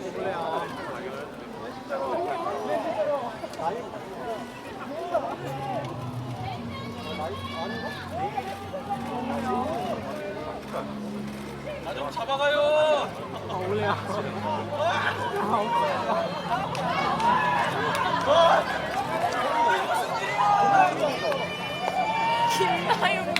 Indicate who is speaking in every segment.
Speaker 1: 나 좀 잡아가요.
Speaker 2: 원래야.
Speaker 3: 김나영.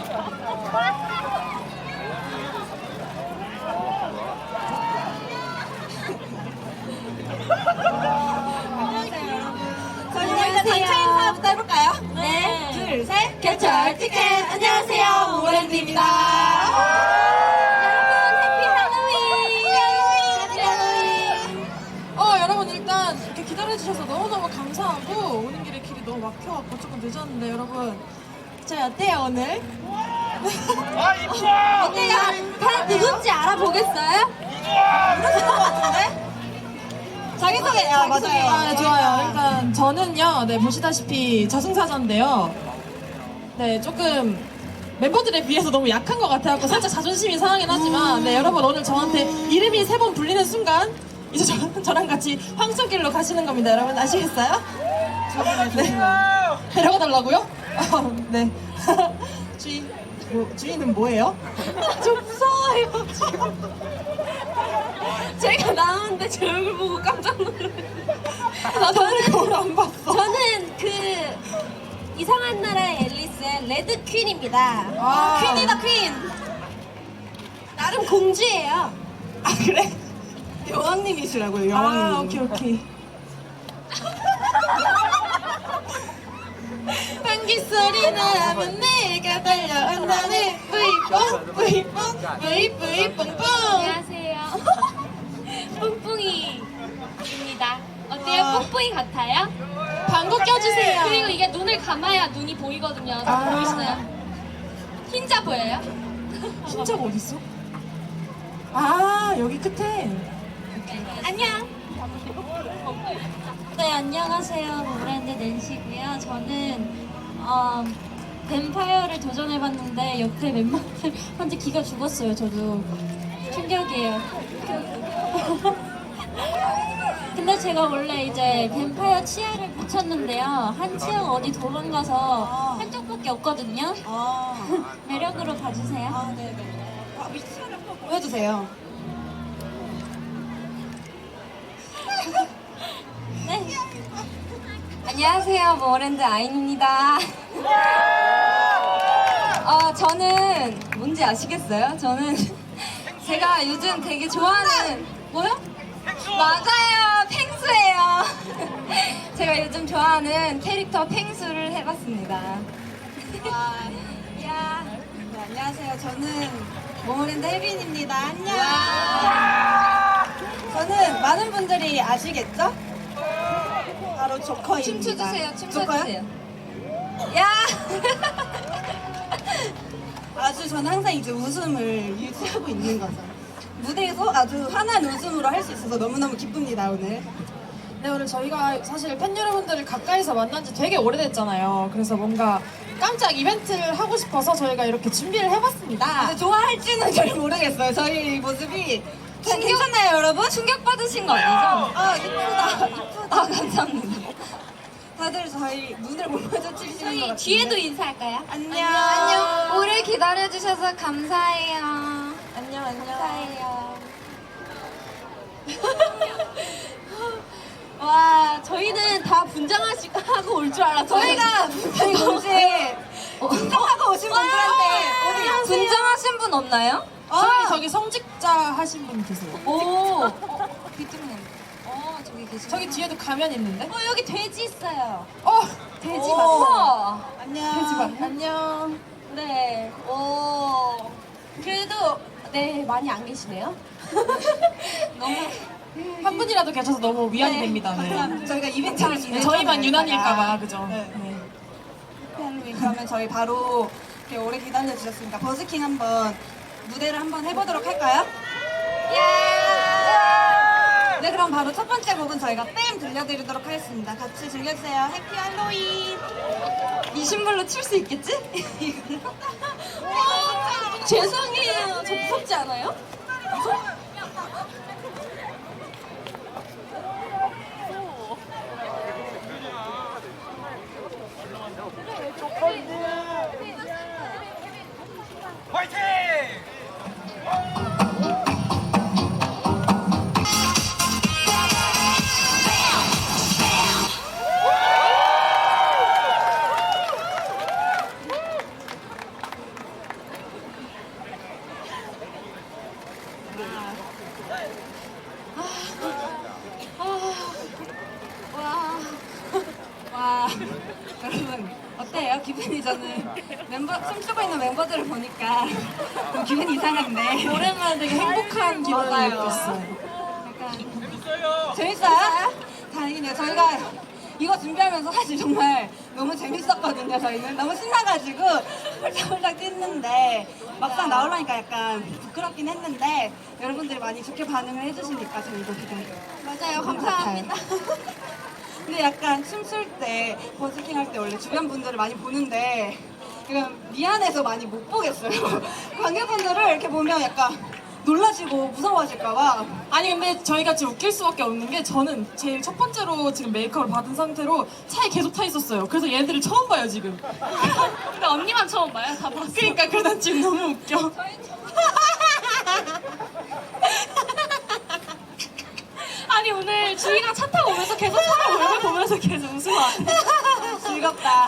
Speaker 4: 저희는 일단 단체 인사부터 해볼까요?
Speaker 3: 네.
Speaker 4: 둘, 셋. 개철 티켓. 안녕하세요. 모모랜드입니다.
Speaker 3: 여러분 일단 이렇게 기다려주셔서 너무너무 감사하고 오는 길에 길이 너무 막혀갖고 조금 늦었는데 여러분 저희 어때요 오늘?
Speaker 1: 아 이뻐.
Speaker 4: 어때요? 다 누군지 알아보겠어요? 자기소개. 맞아요.
Speaker 3: 아, 네, 좋아요. 일단 저는요, 네, 보시다시피 저승사자인데요. 네, 조금 멤버들에 비해서 너무 약한 것 같아서 살짝 자존심이 상하긴 하지만, 네, 여러분 오늘 저한테 이름이 3번 불리는 순간, 이제 저랑 같이 황천길로 가시는 겁니다. 여러분 아시겠어요? 네. 데려가 달라고요? 네. 주인은 뭐예요?
Speaker 4: 저 무서워요. 제가 나왔는데 제 얼굴 보고 깜짝 놀랐어요.
Speaker 3: 저는 거울 안 봤어.
Speaker 4: 저는 그 이상한 나라의 앨리스의 레드 퀸입니다.
Speaker 3: 아.
Speaker 4: 퀸이다 퀸. 나름 공주예요.
Speaker 3: 아, 그래?
Speaker 2: 여왕님이시라고요,
Speaker 3: 아,
Speaker 2: 여왕님.
Speaker 3: 오케이. 방귀 소리 나면 내가 달려온다네. 뿌이뽕, 뿌이뽕, 뿌이뿌이 뽕뽕.
Speaker 5: 안녕하세요. 뿡뿡이입니다. 어때요?
Speaker 3: 아.
Speaker 5: 뿡뿡이 같아요?
Speaker 3: 방구 껴주세요.
Speaker 5: 그리고 이게 눈을 감아야 눈이 보이거든요. 다
Speaker 3: 아.
Speaker 5: 보이시나요? 흰자 보여요?
Speaker 3: 흰자가 어딨어? 아, 여기 끝에.
Speaker 5: 안녕.
Speaker 4: 네, 안녕하세요. 모모랜드 낸시고요. 저는 뱀파이어를 도전해봤는데 옆에 멤버들한테 기가 죽었어요. 저도 충격이에요. 근데 제가 원래 이제 뱀파이어 치아를 붙였는데요. 한 치아가 어디 도망가서 한쪽밖에 없거든요. 매력으로 봐주세요.
Speaker 2: 보여주세요.
Speaker 4: 네. 안녕하세요. 모모랜드 아인입니다. 저는 뭔지 아시겠어요? 저는 제가 요즘 되게 좋아하는 뭐요? 맞아요. 펭수예요. 제가 요즘 좋아하는 캐릭터 펭수를 해봤습니다. 야. 네, 안녕하세요. 저는 모모랜드 혜빈입니다. 안녕. 저는 많은 분들이 아시겠죠? 바로 조커입니다. 춤춰주세요. 춤춰주세요. 야! 아주 저는 항상 이제 웃음을 유지하고 있는 거죠. 무대에서 아주 환한 웃음으로 할 수 있어서 너무너무 기쁩니다, 오늘.
Speaker 3: 네, 오늘 저희가 사실 팬 여러분들을 가까이서 만난 지 되게 오래됐잖아요. 그래서 뭔가 깜짝 이벤트를 하고 싶어서 저희가 이렇게 준비를 해봤습니다.
Speaker 4: 근데 좋아할지는 잘 모르겠어요. 저희 모습이. 괜찮나요, 여러분? 충격받으신 거 아니죠? 이쁘다. 이쁘다. 감사합니다. 다들 저희 눈을 못 마주치시는 것 같아요.
Speaker 5: 뒤에도 인사할까요?
Speaker 4: 안녕. 오래 기다려주셔서 감사해요.
Speaker 3: 안녕.
Speaker 4: 감사해요. 와, 저희는 다 분장하고 올 줄 알았어요. 저희가 분장이 뭔지 분장하고 오신 분들한테 어디 분장하신 분 없나요?
Speaker 3: 저기 성직자 하신 분 계세요.
Speaker 4: 오. 비트님. 저기 계시네.
Speaker 3: 저기 뒤에도 가면 있는데?
Speaker 4: 여기 돼지 있어요. 돼지
Speaker 3: 오.
Speaker 4: 맞죠?
Speaker 2: 안녕.
Speaker 3: 돼지밥. 안녕.
Speaker 4: 네. 오. 그래도 네 많이 안 계시네요. 너무
Speaker 3: 한 분이라도 계셔서 너무 위안이 됩니다. 네.
Speaker 4: 감사합니다. 저희가 이벤트를
Speaker 3: 네, 저희만 유난일까봐, 그죠?
Speaker 2: 네.
Speaker 3: 네.
Speaker 4: 할로윈 그러면 저희 바로 이렇게 오래 기다려 주셨으니까 버스킹 한번 무대를 한번 해보도록 할까요? 네, 그럼 바로 첫 번째 곡은 저희가 뺨 들려드리도록 하겠습니다. 같이 즐겨주세요. 해피 할로윈. 이 신발로 출 수 있겠지? 죄송해요. 저 무섭지 않아요? 와, 여러분 어때요? 기분이 저는 춤추고 있는 멤버들을 보니까 좀 기분이 이상한데
Speaker 3: 오랜만에 되게 행복한 기분을
Speaker 4: 맞아요.
Speaker 3: 느꼈어요.
Speaker 4: 약간
Speaker 1: 재밌어요.
Speaker 4: 재밌어요? 다행이네요. 저희가 이거 준비하면서 사실 정말 너무 재밌었거든요. 저희는 너무 신나가지고 홀짝홀짝 뛰는데 막상 나오려니까 약간 부끄럽긴 했는데 여러분들이 많이 좋게 반응을 해주시니까 저희도 되게
Speaker 5: 맞아요. 감사합니다.
Speaker 4: 근데 약간 춤출 때 버스킹 할 때 원래 주변 분들을 많이 보는데 그냥 미안해서 많이 못 보겠어요. 관객분들을 이렇게 보면 약간 놀라시고 무서워하실까봐.
Speaker 3: 아니 근데 저희가 지금 웃길 수밖에 없는 게 저는 제일 첫 번째로 지금 메이크업을 받은 상태로 차에 계속 타 있었어요. 그래서 얘네들을 처음 봐요 지금.
Speaker 5: 근데 언니만 처음 봐요. 다 봤어.
Speaker 3: 그러니까 그래서 지금 너무 웃겨.
Speaker 5: 아니 오늘 주희랑 차 타고 오면서 계속 서로 얼굴 보면서 계속 웃으면 안 돼.
Speaker 4: 즐겁다.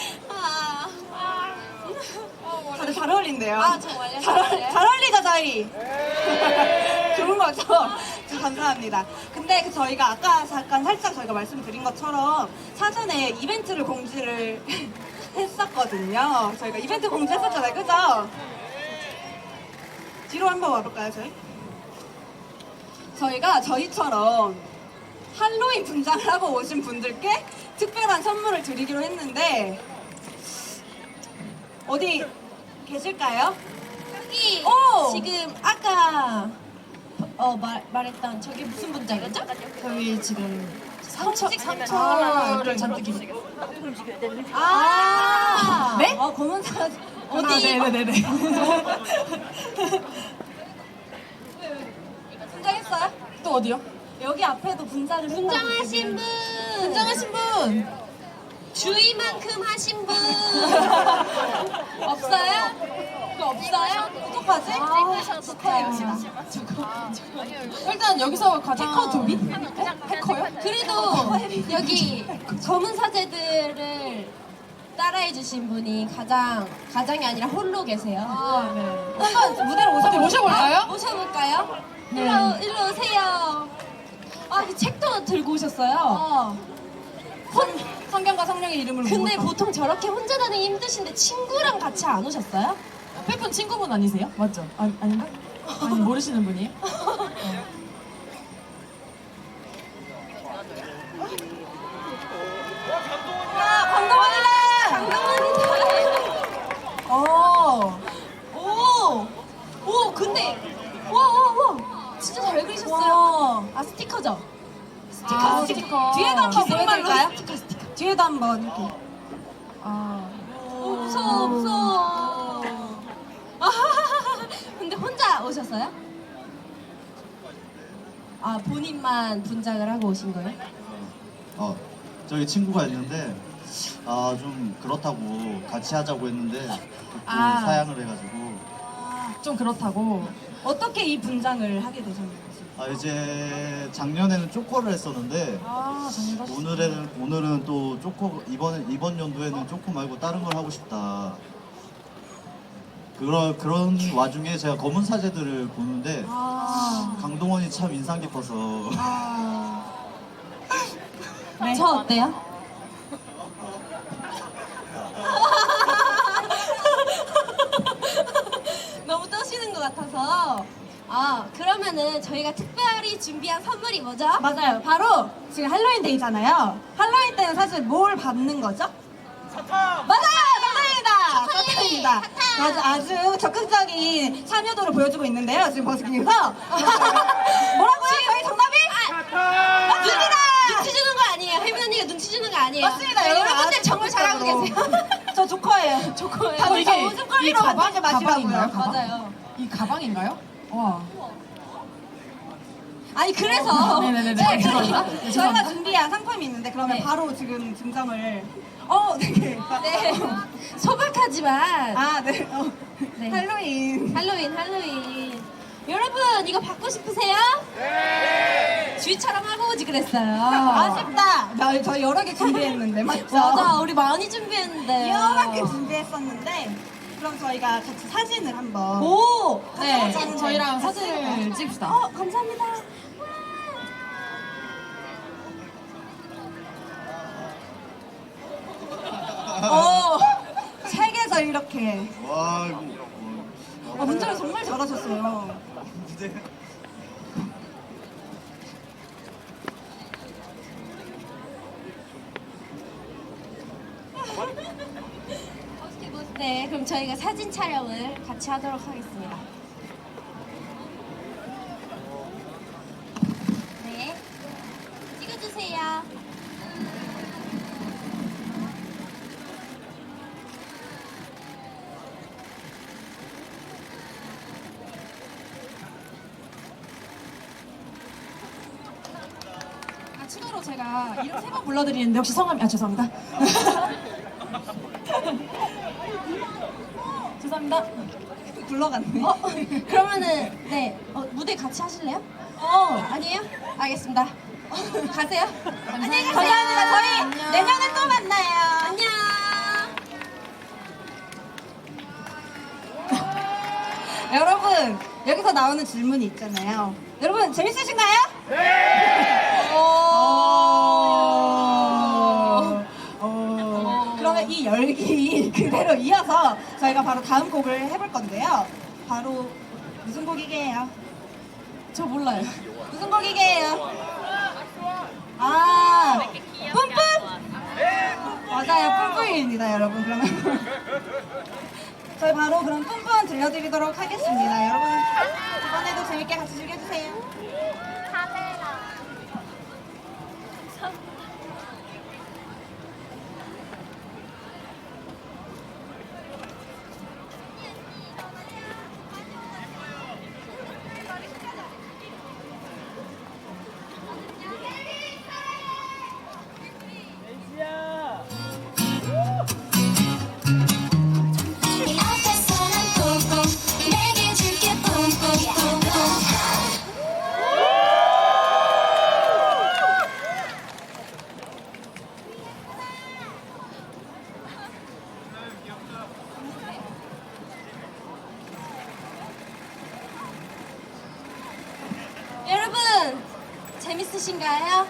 Speaker 4: 다들
Speaker 5: 아,
Speaker 4: 잘 어울린대요.
Speaker 5: 아, 정말요?
Speaker 4: 잘 어울리죠 저희. 좋은 거죠? 감사합니다. 근데 그 저희가 아까 잠깐 살짝 저희가 말씀드린 것처럼 사전에 이벤트를 공지를 했었거든요. 저희가 이벤트 공지했었잖아요, 그죠? 뒤로 한번 와볼까요, 저희? 저희가 저희처럼 할로윈 분장을 하고 오신 분들께 특별한 선물을 드리기로 했는데 어디 계실까요?
Speaker 5: 여기
Speaker 4: 오!
Speaker 5: 지금 아까 말했던 저게 무슨 분장이었죠?
Speaker 3: 저희 지금 상처를 잔뜩 입고.
Speaker 4: 아,
Speaker 3: 네?
Speaker 4: 검은 사
Speaker 3: 어디? 네네네네.
Speaker 4: 분장했어요?
Speaker 3: 또 어디요?
Speaker 4: 여기 앞에도 분장을
Speaker 5: 분장하신 분!
Speaker 3: 분장하신 분.
Speaker 5: 주희만큼 하신 분! 없어요? 그거 없어요?
Speaker 4: 어떡하지?
Speaker 3: 일단 여기서 가장 해커 도비? 해커요?
Speaker 5: 그래도 여기 검은 사제들을 따라해주신 분이 가장이 아니라 홀로 계세요.
Speaker 3: 아, 네.
Speaker 4: 한번 무대로
Speaker 3: 어디 모셔볼까요?
Speaker 5: 모셔볼까요?
Speaker 3: 네.
Speaker 5: 일로 오세요. 아, 이 책도 들고 오셨어요.
Speaker 4: 성경과 성령의 이름으로
Speaker 5: 근데
Speaker 4: 모으죠.
Speaker 5: 보통 저렇게 혼자 다니기 힘드신데 친구랑 같이 안 오셨어요?
Speaker 3: 팬분 친구분 아니세요? 맞죠? 아닌가? 아니 모르시는 분이에요? 어.
Speaker 5: 오, 근데 와, 진짜 잘 그리셨어요. 아, 스티커죠?
Speaker 3: 아, 스티커.
Speaker 4: 뒤에도 한번
Speaker 5: 기생말로
Speaker 4: 보여드릴까요?
Speaker 5: 스티커.
Speaker 4: 뒤에도 한번 이렇게.
Speaker 3: 아.
Speaker 5: 오, 무서워. 아, 근데 혼자 오셨어요? 아, 본인만 분장을 하고 오신 거예요?
Speaker 6: 저희 친구가 있는데 좀 그렇다고 같이 하자고 했는데
Speaker 3: 아.
Speaker 6: 사양을 해가지고
Speaker 3: 좀 그렇다고.
Speaker 4: 어떻게 이 분장을 하게 되셨는지.
Speaker 6: 이제 작년에는 쪼코를 했었는데
Speaker 3: 아, 정말.
Speaker 6: 오늘은 또 쪼코 이번 연도에는 쪼코 말고 다른 걸 하고 싶다. 그런 와중에 제가 검은 사제들을 보는데 강동원이 참 인상 깊어서
Speaker 3: 네.
Speaker 5: 저 어때요? 너무 떠시는 것 같아서. 그러면은 저희가 특별히 준비한 선물이 뭐죠?
Speaker 4: 맞아요. 바로 지금 할로윈 데이잖아요. 할로윈 때는 사실 뭘 받는 거죠?
Speaker 1: 사탕.
Speaker 4: 맞아요! 사탕입니다!
Speaker 5: 사탕이!
Speaker 4: 사탕입니다.
Speaker 5: 사탕!
Speaker 4: 아주 적극적인 참여도를 보여주고 있는데요. 지금 버스킹에서. 뭐라고요? 저희 정답이?
Speaker 1: 사탕.
Speaker 4: 맞습니다!
Speaker 5: 눈치 주는 거 아니에요. 혜민 언니가 눈치 주는 거 아니에요.
Speaker 4: 맞습니다.
Speaker 5: 여러분들 정말 잘하고
Speaker 4: 적극적으로.
Speaker 5: 계세요.
Speaker 4: 저 조커예요.
Speaker 5: 조커예요.
Speaker 4: 다들 저
Speaker 3: 이게
Speaker 4: 웃음거리로
Speaker 3: 이 가방?
Speaker 4: 만들지 마시라고요.
Speaker 3: 가방인가요? 가방?
Speaker 5: 맞아요.
Speaker 3: 이 가방인가요? 와.
Speaker 5: 아니 그래서
Speaker 3: 네네네네.
Speaker 4: 네,
Speaker 3: 죄송합니다.
Speaker 4: 저희가
Speaker 3: 죄송합니다.
Speaker 4: 준비한 상품이 있는데 그러면
Speaker 5: 네.
Speaker 4: 바로 지금 증정을 네.
Speaker 5: 네 소박하지만
Speaker 4: 네.
Speaker 5: 네.
Speaker 4: 할로윈
Speaker 5: 할로윈 여러분 이거 받고 싶으세요? 네 주희처럼 하고 오지 그랬어요.
Speaker 4: 아쉽다. 저희 여러 개 준비했는데 맞죠?
Speaker 5: 맞아 우리 많이 준비했는데
Speaker 4: 여러 개 준비했었는데
Speaker 2: 그럼 저희가 같이 사진을 한번.
Speaker 3: 오! 네,
Speaker 2: 사진
Speaker 3: 저희랑 사진을 찍읍시다.
Speaker 5: 감사합니다.
Speaker 2: 책에서 이렇게.
Speaker 6: 와 이거
Speaker 2: 문제를 정말 잘하셨어요.
Speaker 6: 무대
Speaker 5: 네, 그럼 저희가 사진 촬영을 같이 하도록 하겠습니다. 네, 찍어주세요.
Speaker 3: 추가로 제가 이름 3번 불러드리는데 혹시 성함이 죄송합니다. 죄송합니다.
Speaker 2: 굴러갔네.
Speaker 5: 그러면은 네, 무대 같이 하실래요? 아니에요? 알겠습니다. 가세요. 안녕히 가세요.
Speaker 2: 감사합니다. 저희
Speaker 5: 안녕.
Speaker 2: 내년에 또 만나요.
Speaker 5: 안녕.
Speaker 2: 여러분, 여기서 나오는 질문이 있잖아요. 여러분, 재밌으신가요? 네! 그러면 이 열기 그대로 이어서 저희가 바로 다음 곡을 해볼 건데요. 바로 무슨 곡이게요?
Speaker 3: 저 몰라요.
Speaker 2: 무슨 곡이게요? 아, 뿜뿜! 맞아요, 뿜뿜입니다, 여러분. 그러면 저희 바로 그럼 뿜뿜 들려드리도록 하겠습니다. 여러분, 이번에도 재밌게 같이 즐겨주세요.
Speaker 7: 네 앞에서는 뿜뿜 내게 줄게 뿜뿜
Speaker 5: 여러분 재밌으신가요?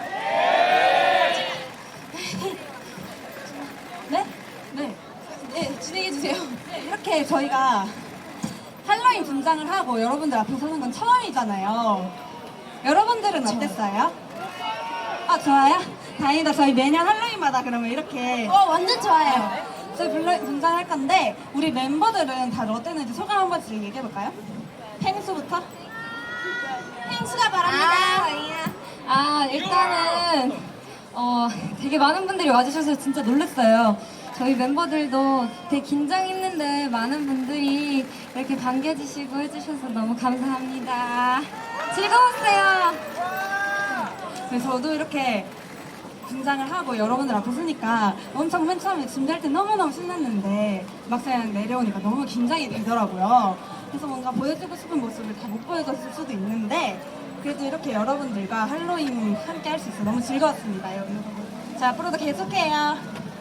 Speaker 2: 네?
Speaker 5: 네. 네, 진행해 주세요.
Speaker 2: 네, 이렇게 저희가 할로윈 분장을 하고 여러분들 앞에 서는 건 처음이잖아요. 여러분들은 어땠어요? 아, 좋아요? 다행이다. 저희 매년 할로윈마다 그러면 이렇게
Speaker 5: 완전 좋아요.
Speaker 2: 저희 분장할 건데 우리 멤버들은 다들 어땠는지 소감 한 번씩 얘기해볼까요? 펭수부터?
Speaker 5: 행수가 바랍니다.
Speaker 4: 일단은 되게 많은 분들이 와주셔서 진짜 놀랐어요. 저희 멤버들도 되게 긴장했는데 많은 분들이 이렇게 반겨주시고 해주셔서 너무 감사합니다. 즐거웠어요.
Speaker 2: 네, 저도 이렇게 분장을 하고 여러분들 앞에 서니까 엄청 맨 처음에 준비할 때 너무너무 신났는데 막상 내려오니까 너무 긴장이 되더라고요. 그래서 뭔가 보여주고 싶은 모습을 다 못 보여줬을 수도 있는데 그래도 이렇게 여러분들과 할로윈 함께 할 수 있어서 너무 즐거웠습니다. 여러분. 자, 앞으로도 계속해요.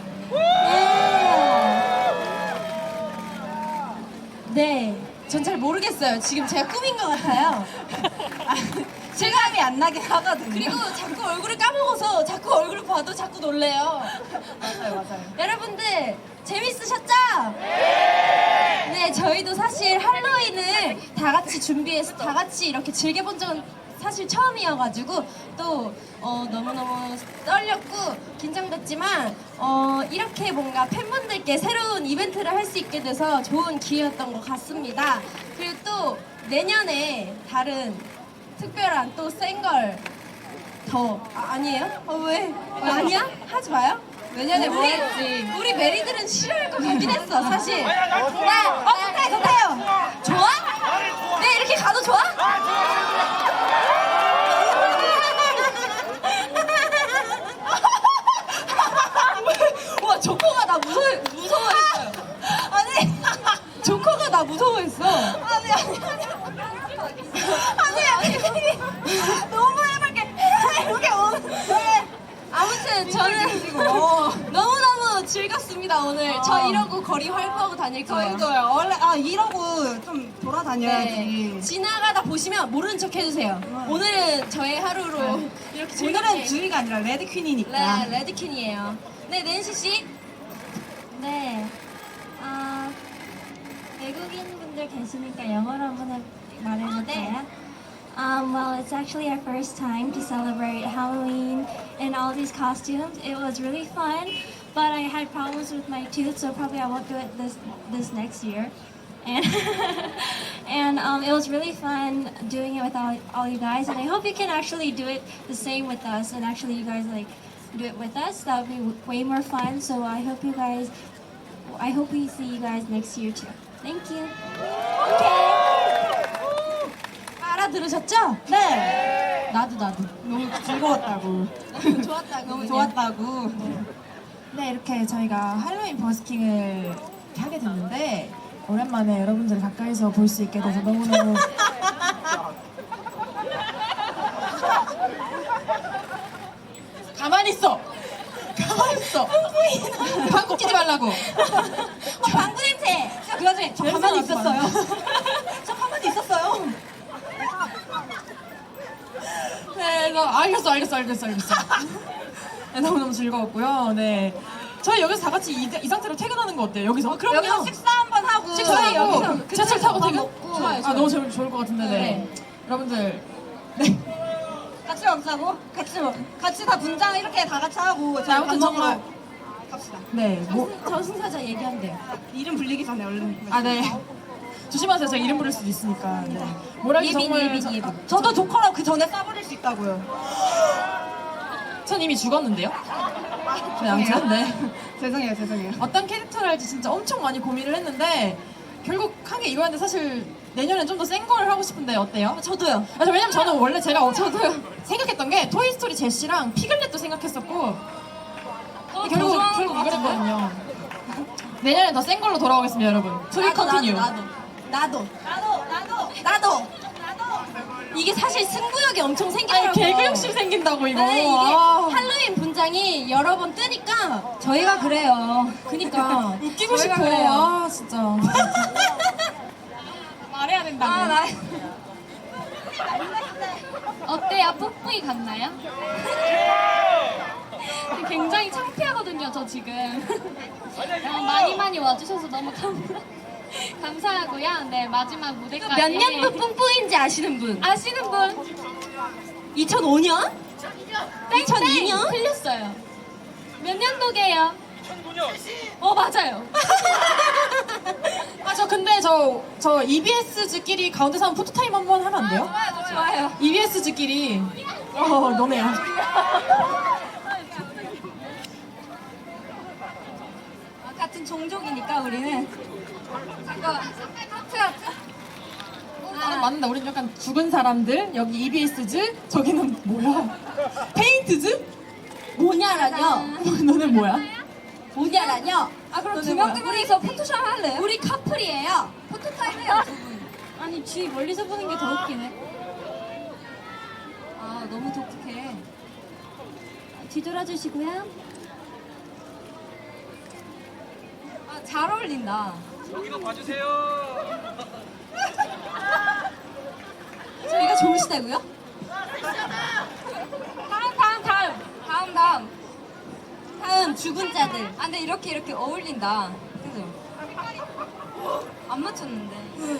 Speaker 3: 네, 전 잘 모르겠어요. 지금 제가 꿈인 것 같아요.
Speaker 2: 실감이 안 나긴 하거든요.
Speaker 3: 그리고 자꾸 얼굴을 까먹어서 자꾸 얼굴을 봐도 자꾸 놀래요.
Speaker 2: 맞아요.
Speaker 5: 여러분들 재밌으셨죠? 네, 저희도 사실 할로윈을 다 같이 준비해서 다 같이 이렇게 즐겨본 적은 사실 처음이어가지고 또 너무너무 떨렸고 긴장됐지만 이렇게 뭔가 팬분들께 새로운 이벤트를 할 수 있게 돼서 좋은 기회였던 것 같습니다. 그리고 또 내년에 다른 특별한 또 센 걸 더 아니에요? 왜? 아니야? 하지 마요?
Speaker 2: 내년에 뭐 할지.
Speaker 5: 우리 메리들은 싫어할 것 같긴 했어 사실.
Speaker 2: 좋대요.
Speaker 5: 좋아? 네 이렇게 가도 좋아?
Speaker 3: 와, 조커가 나 무서워했어요.
Speaker 2: 아니,
Speaker 3: 조커가 나 무서워했어.
Speaker 2: 아니. 너무 해맑게 이렇게 오는데.
Speaker 5: 아무튼 저는 너무너무 즐겁습니다. 좋습니다 오늘. 저 이러고 거리 활보하고 다닐 거예요.
Speaker 2: 저희도요. 원래 이러고 좀 돌아다녀야지.
Speaker 5: 네. 지나가다 보시면 모르는 척 해주세요. 오늘은 저의 하루로 이렇게
Speaker 2: 오늘은
Speaker 5: 즐겁게.
Speaker 2: 주희가 아니라 레드 퀸이니까.
Speaker 5: 네, 레드킨이에요. 네, 낸시 씨.
Speaker 8: 네. 외국인 분들 계시니까 영어로 한번 말해볼까요? Well, it's actually our first time to celebrate Halloween in all these costumes. It was really fun, but I had problems with my tooth, so probably I won't do it this next year. And it was really fun doing it with all you guys, and I hope you can actually do it the same with us, and actually you guys like do it with us. That would be way more fun. So I hope we see you guys next year too. Thank you.
Speaker 5: 알아들으셨죠?
Speaker 2: 네.
Speaker 3: 나도.
Speaker 2: 너무 즐거웠다고.
Speaker 5: 좋았다고.
Speaker 2: 좋았다고.
Speaker 3: 네, 이렇게 저희가 할로윈 버스킹을 이렇게 하게 됐는데 오랜만에 여러분들 가까이서 볼 수 있게 돼서 너무너무 가만히 있어! 방구 끼지 말라고!
Speaker 2: 방구 냄새. 그 와중에 저 가만히 있었어요. 저 가만히 있었어요.
Speaker 3: 네, 알겠어. 네, 너무너무 즐거웠고요. 네. 저희 여기서 다 같이 이 상태로 퇴근하는 거 어때요? 여기서?
Speaker 2: 여기서 식사 한번 하고.
Speaker 3: 식사하고 지하철 타고 퇴근?
Speaker 5: 좋아요.
Speaker 3: 너무 좋을 것 같은데. 네. 여러분들. 네.
Speaker 2: 같이 먹자고? 같이 다 분장 이렇게 다 같이 하고. 저희 밥
Speaker 3: 아무튼
Speaker 2: 먹으러
Speaker 3: 정말.
Speaker 2: 갑시다.
Speaker 3: 네. 뭐,
Speaker 5: 저승사자 얘기한대요.
Speaker 2: 이름 불리기 전에 얼른.
Speaker 3: 네. 조심하세요. 제가 이름 부를 수도 있으니까. 네. 뭐라기 정말.
Speaker 2: 저도 조커로 그 전에 싸버릴 수 있다고요.
Speaker 3: 전 이미 죽었는데요. 네, 아무튼 네.
Speaker 2: 죄송해요.
Speaker 3: 어떤 캐릭터를 할지 진짜 엄청 많이 고민을 했는데 결국 한 게 이거였는데 사실 내년엔 좀 더 센 걸 하고 싶은데 어때요?
Speaker 5: 저도요.
Speaker 3: 왜냐면 저는 원래 제가 생각했던 게 토이스토리 제시랑 피글렛도 생각했었고 결국 이걸 했거든요. 내년엔 더 센 걸로 돌아오겠습니다, 여러분. 투비 컨티뉴.
Speaker 5: 나도. 이게 사실 승부욕이 엄청 생기더라고요.
Speaker 3: 개그 욕심 생긴다고 이거.
Speaker 5: 네, 이게
Speaker 3: 아.
Speaker 5: 할로윈 분장이 여러 번 뜨니까
Speaker 2: 저희가 그래요.
Speaker 5: 그니까
Speaker 3: 웃기고
Speaker 5: 저희가
Speaker 3: 싶어.
Speaker 5: 그래요.
Speaker 3: 아 진짜. 말해야 된다고.
Speaker 8: 어때요? 뽀뽀이 같나요? 굉장히 창피하거든요, 저 지금. 많이 와주셔서 너무 감사하고요. 네, 마지막 무대까지.
Speaker 5: 몇 년도 뿜뿌인지 아시는 분?
Speaker 8: 아시는 분?
Speaker 5: 2005년? 2002년?
Speaker 8: 틀렸어요. 몇 년도게요?
Speaker 1: 2009년.
Speaker 8: 맞아요.
Speaker 3: 근데 저 EBS즈끼리 가운데서 한번 포토타임 한번 하면 안 돼요?
Speaker 5: 좋아요.
Speaker 3: EBS즈끼리. 너네야.
Speaker 5: 같은 종족이니까 우리는.
Speaker 3: 맞는다. 우린 약간 죽은 사람들. 여기 EBS즈. 저기는 뭐야? 페인트즈?
Speaker 5: 뭐냐라뇨?
Speaker 3: 너는 뭐야?
Speaker 5: 뭐냐라뇨?
Speaker 2: 그럼 두 명
Speaker 5: 우리서 포토샵 할래요? 우리 커플이에요. 포토타임 해요.
Speaker 8: 아니, 뒤 멀리서 보는 게 더 웃기네.
Speaker 5: 너무 독특해.
Speaker 8: 뒤돌아주시고요.
Speaker 5: 잘 어울린다.
Speaker 1: 여기도 봐주세요.
Speaker 5: 저희가 좋으시다고요? 다음 죽은 자들. 근데 이렇게 어울린다. 그죠? 안 맞췄는데.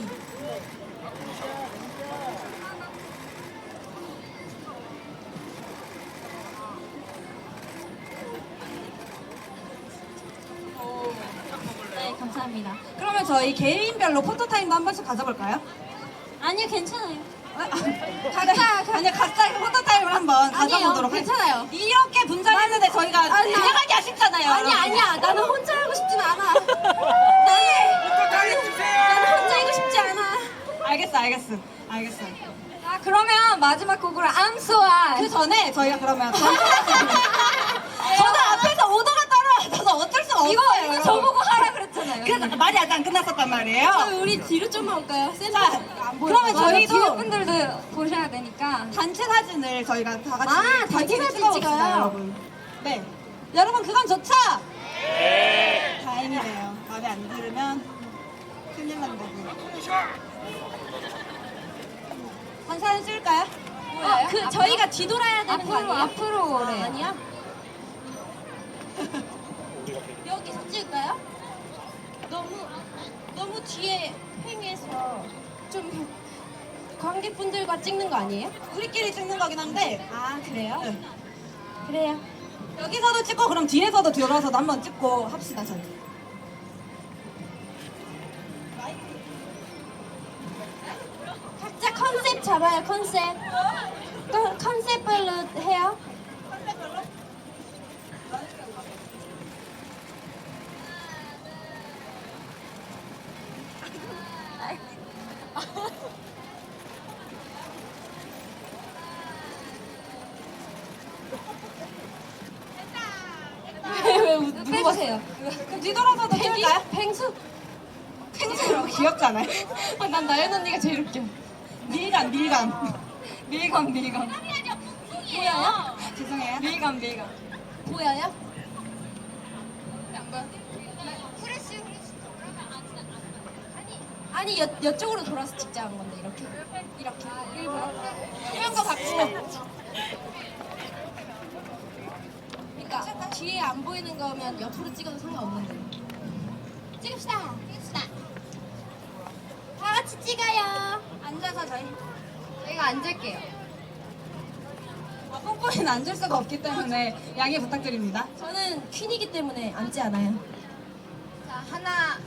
Speaker 8: 네, 감사합니다.
Speaker 2: 그러면 저희 개인별로 포토타임도 한 번씩 가져볼까요?
Speaker 8: 아니요, 괜찮아요.
Speaker 2: 각자 포토타임을 한번 가져보도록
Speaker 5: 괜찮아요.
Speaker 2: 이렇게 분장했는데 저희가 지나가기 아쉽잖아요.
Speaker 5: 아니야. 나는 혼자 하고 싶진 않아. 나는 혼자 하고 싶지 않아.
Speaker 2: 알겠어.
Speaker 5: 그러면 마지막 곡으로 암소와
Speaker 2: 그 전에 저희가 그러면 저도 앞에서 오더가 따라와서 어쩔 수가 없어요.
Speaker 5: 이거 저보고 하라 그랬잖아요.
Speaker 2: 그래서 말이 아직 안 끝났었단 말이에요.
Speaker 5: 우리 뒤로 좀만 올까요?
Speaker 2: 자, 그러면
Speaker 5: 뒤에
Speaker 2: 저희도
Speaker 5: 분들도 보셔야 되니까.
Speaker 2: 단체 사진을 저희가 다 같이
Speaker 5: 단체 사진
Speaker 2: 찍어봅시다,
Speaker 5: 찍어요?
Speaker 2: 여러분. 네. 여러분 그건 좋죠? 네. 다행이네요. 마음에 안 들으면 큰일 난다고. 한 사진 쓸까요?
Speaker 5: 그 저희가 뒤돌아야 되는 거 아니에요?
Speaker 4: 앞으로 오래.
Speaker 5: 아니야? 여기서 찍을까요? 너무 뒤에 횡해서 좀 관객분들과 찍는 거 아니에요?
Speaker 2: 우리끼리 찍는 거긴 한데
Speaker 5: 아 그래요?
Speaker 2: 네.
Speaker 5: 그래요.
Speaker 2: 여기서도 찍고 그럼 뒤에서도 뒤돌아서도 한번 찍고 합시다 저희.
Speaker 5: 각자 컨셉 잡아요 컨셉. 컨셉별로 해요. 왜
Speaker 2: 누구세요? 그럼 뒤돌아서도 찍을까요?
Speaker 5: 펭수?
Speaker 2: 펭수로 귀엽잖아요.
Speaker 5: 난 나연 언니가 제일 웃겨.
Speaker 2: 밀감.
Speaker 5: 보여요?
Speaker 2: 죄송해요. 밀감.
Speaker 5: 보여요? 아니 여쪽으로 돌아서 찍자 한 건데 이렇게 일부러 이런 거 받고 그러니까 뒤에 안 보이는 거면 옆으로 찍어도 상관없는데 찍읍시다 다 같이 찍어요.
Speaker 2: 앉아서
Speaker 4: 저희가 앉을게요.
Speaker 2: 뽕뽕이는 앉을 수가 없기 때문에 양해 부탁드립니다.
Speaker 5: 저는 퀸이기 때문에 앉지 않아요.
Speaker 4: 자, 하나.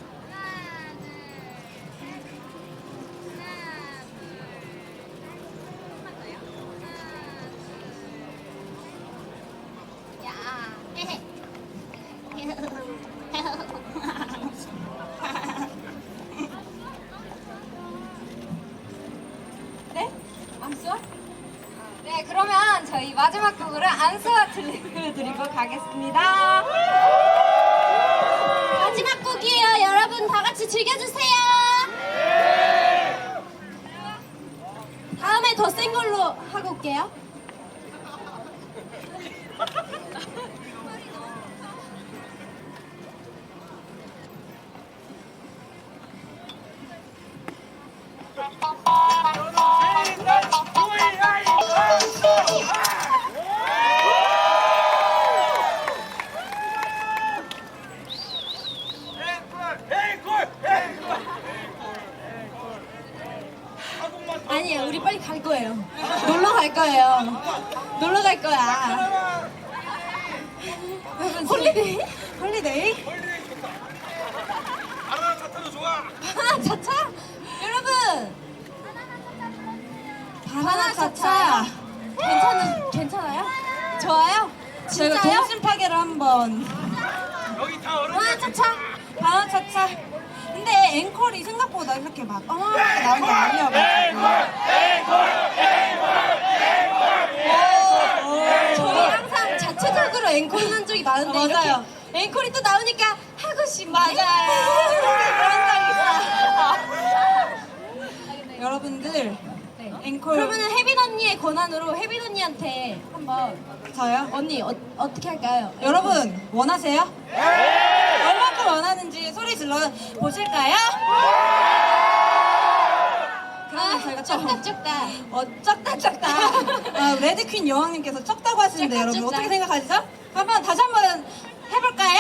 Speaker 5: 네? 암수와?
Speaker 4: 네, 그러면 저희 마지막 곡으로 안수와 들려드리고 가겠습니다.
Speaker 5: 마지막 곡이에요. 여러분 다 같이 즐겨주세요. 다음에 더 센 걸로 하고 올게요. 아니에요. 우리 빨리 갈 거예요. 놀러 갈 거예요. 놀러 갈 거야. 홀리데이?
Speaker 2: 홀리데이?
Speaker 1: 바나나 차타도 좋아.
Speaker 5: 바나나 차차? 여러분!
Speaker 2: 바나나 차차.
Speaker 5: 괜찮아요? 좋아요?
Speaker 2: 저희가
Speaker 5: 진짜요?
Speaker 2: 동심 파괴를 한번.
Speaker 1: 여기 다 어른.
Speaker 5: 바나나 차차?
Speaker 2: 바나나 차차. 근데 앵콜이 생각보다 이렇게 막 어마어마하게 나온 게 아니어가지고.
Speaker 5: 저희 항상 자체적으로 앵콜 한 적이 많은데
Speaker 2: 맞아요.
Speaker 5: 이렇게 앵콜이 또 나오니까 하고 싶네.
Speaker 2: 여러분들 앵콜
Speaker 5: 그러면은 혜빈 언니의 권한으로 혜빈 언니한테 한번
Speaker 2: 저요?
Speaker 5: 언니 어떻게 할까요?
Speaker 2: 여러분 원하세요? 얼마큼 원하는지 소리 질러 보실까요? 그러면 저희가
Speaker 5: 쪽다.
Speaker 2: 쩍다. 레드퀸 여왕님께서 쩍다고 하시는데
Speaker 5: 쩍다,
Speaker 2: 여러분
Speaker 5: 쩍다.
Speaker 2: 어떻게 생각하시죠? 다시 한번 해볼까요?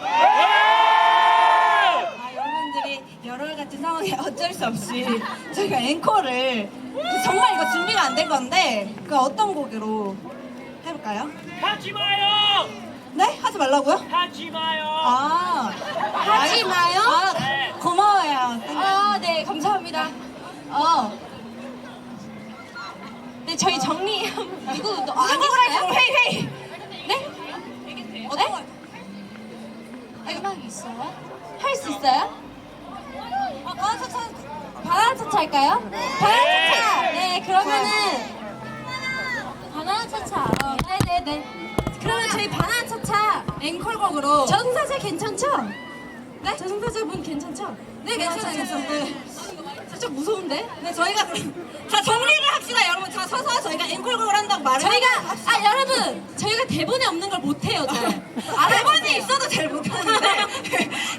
Speaker 2: 여러분들이 열흘 같은 상황에 어쩔 수 없이 저희가 앵콜을 정말 이거 준비가 안 된 건데 그 어떤 곡으로 해볼까요?
Speaker 1: 하지 마요.
Speaker 2: 네? 하지 말라고요?
Speaker 1: 하지 마요.
Speaker 5: 하지 마요?
Speaker 2: 고마워요.
Speaker 5: 네 감사합니다. 네 저희 정리 누구
Speaker 2: 누구를 할까요? 헤이.
Speaker 5: 네?
Speaker 2: 어떤 거?
Speaker 5: 음악 있어요? 할 수 있어요? 바나나 차차 할까요? 바나나 차차! 네, 그러면은 바나나 차차. 네네네. 그러면 저희 바나나 차차
Speaker 2: 앵콜곡으로
Speaker 5: 저승사자 괜찮죠? 네? 저승사자분 괜찮죠?
Speaker 2: 네, 괜찮아요. 네.
Speaker 5: 살짝 무서운데?
Speaker 2: 네, 저희가 다 정리를 합시다, 여러분. 다 서서 저희가 앵콜곡을 한다고 말을
Speaker 5: 여러분 저희가 대본에 없는 걸 못해요, 저.
Speaker 2: 대본이 있어도 잘 못하는데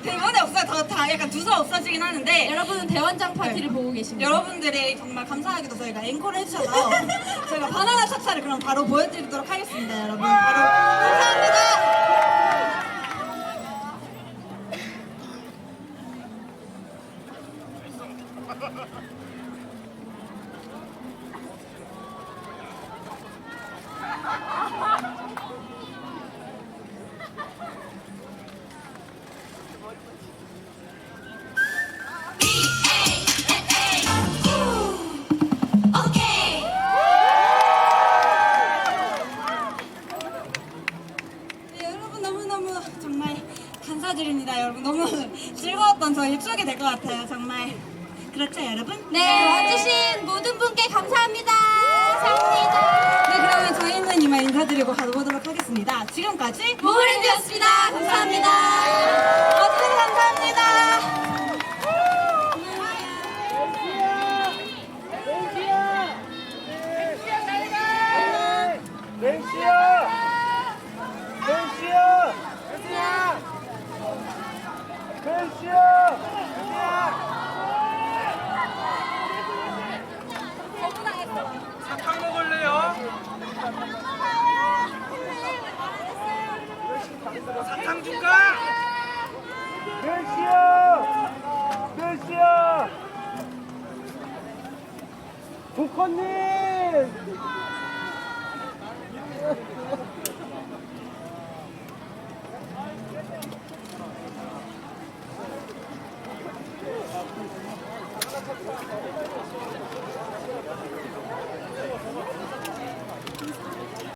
Speaker 4: 저 다 약간 두서 없어지긴 하는데
Speaker 5: 여러분은 대원장 파티를 보고 계십니다.
Speaker 4: 여러분들의 정말 감사하게도 저희가 앵콜을 해주셔서 저희가 바나나 차차를 그럼 바로 보여드리도록 하겠습니다. 여러분 바로 감사합니다. 네, 여러분 너무너무 정말 감사드립니다. 여러분 너무 즐거웠던 저희 추억이 될 것 같아요. 정말 그렇죠 여러분?
Speaker 5: 네, 와주신 모든 분께 감사합니다. 감사합니다.
Speaker 4: 네 그러면 저희는 이만 인사드리고 가보도록 하겠습니다. 지금까지
Speaker 5: 모모랜드였습니다. 감사합니다.
Speaker 4: 와주셔서 감사합니다.
Speaker 1: 사탕 먹을래요? 사탕 줄까?
Speaker 9: 몇 시야? 조커님!